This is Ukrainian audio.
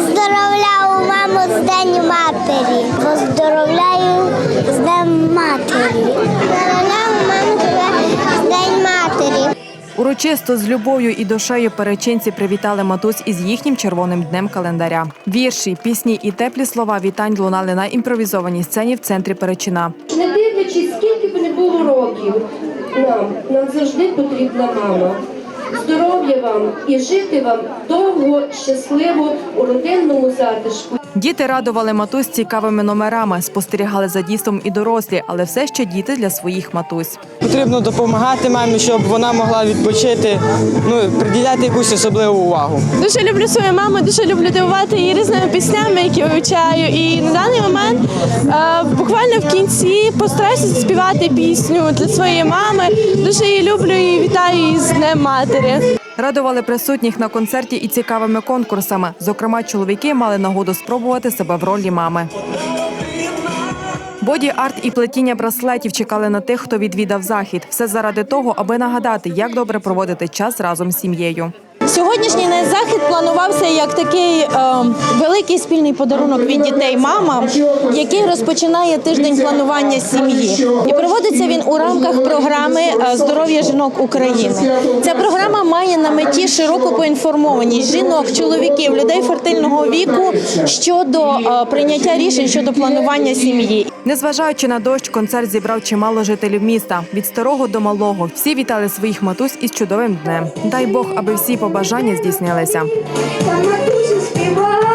Поздоровляю маму з Днем матері. Поздоровляю з Днем матері. Поздоровляю маму з Днем матері. Урочисто з любов'ю і душею перечинці привітали матусь із їхнім червоним днем календаря. Вірші, пісні і теплі слова вітань лунали на імпровізованій сцені в центрі Перечина. Не дивлячись, скільки б не було років, нам завжди потрібна мама. Здоров'я вам і жити вам довго, щасливо у родинному затишку. Діти радували матусь цікавими номерами, спостерігали за дійством і дорослі, але все ще діти для своїх матусь. Потрібно допомагати мамі, щоб вона могла відпочити, приділяти якусь особливу увагу. Дуже люблю свою маму, дуже люблю дивувати її різними піснями, які вивчаю. І на даний момент буквально в кінці постараюся співати пісню для своєї мами. Дуже її люблю і вітаю її з Днем матері. Радували присутніх на концерті і цікавими конкурсами. Зокрема, чоловіки мали нагоду спробувати себе в ролі мами. Боді-арт і плетіння браслетів чекали на тих, хто відвідав захід. Все заради того, аби нагадати, як добре проводити час разом з сім'єю. Сьогоднішній захід планувався як такий великий спільний подарунок від дітей мамам, який розпочинає тиждень планування сім'ї. І проводиться він у рамках програми «Здоров'я жінок України». Ця програма має на меті широку поінформованість жінок, чоловіків, людей фертильного віку щодо прийняття рішень щодо планування сім'ї. Незважаючи на дощ, концерт зібрав чимало жителів міста. Від старого до малого. Всі вітали своїх матусь із чудовим днем. Дай Бог, аби всі побажання здійснилися. Та матусі співає.